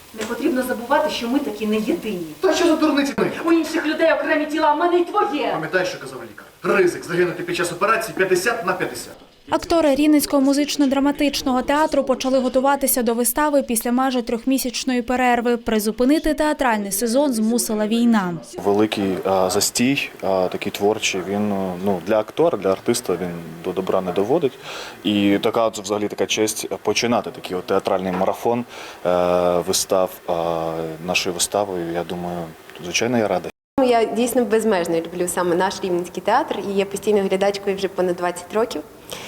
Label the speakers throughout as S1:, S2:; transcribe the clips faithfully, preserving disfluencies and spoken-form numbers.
S1: Не потрібно забувати, що ми такі не єдині.
S2: Та що за дурниці ми?
S1: У інших людей окремі тіла, а в мене й твоє.
S2: Пам'ятаєш, що казав лікар? Ризик загинути під час операції п'ятдесят на п'ятдесят.
S3: Актори Рівненського музично-драматичного театру почали готуватися до вистави після майже трьохмісячної перерви. Призупинити театральний сезон змусила війна.
S4: Великий а, застій, а, такий творчий, він ну, для актора, для артиста він до добра не доводить. І така взагалі така честь починати такий от театральний марафон е, вистав а, нашою виставою. Я думаю, звичайно, я радий.
S5: Я дійсно безмежно люблю саме наш Рівненський театр і є постійною глядачкою вже понад двадцять років.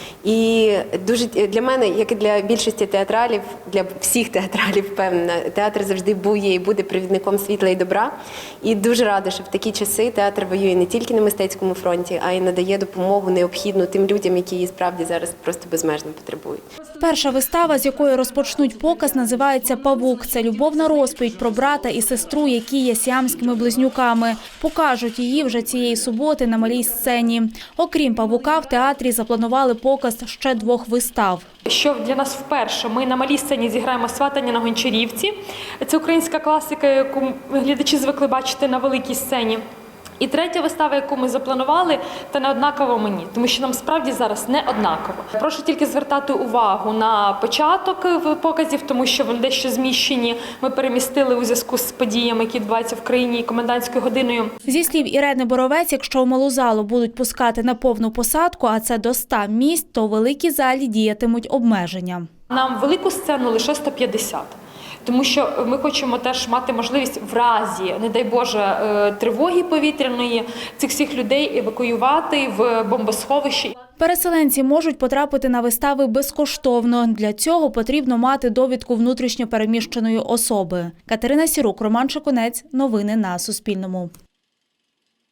S5: І дуже для мене, як і для більшості театралів, для всіх театралів, впевнена, театр завжди був є і буде провідником світла і добра. І дуже рада, що в такі часи театр воює не тільки на мистецькому фронті, а й надає допомогу необхідну тим людям, які її справді зараз просто безмежно потребують.
S3: Перша вистава, з якої розпочнуть показ, називається «Павук». Це любовна розповідь про брата і сестру, які є сіамськими близнюками. Покажуть її вже цієї суботи на малій сцені. Окрім «Павука», в театрі запланували показ ще двох вистав.
S6: Що для нас вперше, ми на малій сцені зіграємо «Сватання на Гончарівці». Це українська класика, яку глядачі звикли бачити на великій сцені. І третя вистава, яку ми запланували, та не однаково мені, тому що нам справді зараз не однаково. Прошу тільки звертати увагу на початок показів, тому що вони дещо зміщені. Ми перемістили у зв'язку з подіями, які відбуваються в країні і комендантською годиною.
S3: Зі слів Ірени Боровець, якщо в малу залу будуть пускати на повну посадку, а це до ста місць, то у великій залі діятимуть обмеження.
S6: Нам велику сцену лише сто п'ятдесят. Тому що ми хочемо теж мати можливість в разі, не дай Боже, тривоги повітряної, цих всіх людей евакуювати в бомбосховищі.
S3: Переселенці можуть потрапити на вистави безкоштовно. Для цього потрібно мати довідку внутрішньо переміщеної особи. Катерина Сірук, Роман Шикунець. Новини на Суспільному.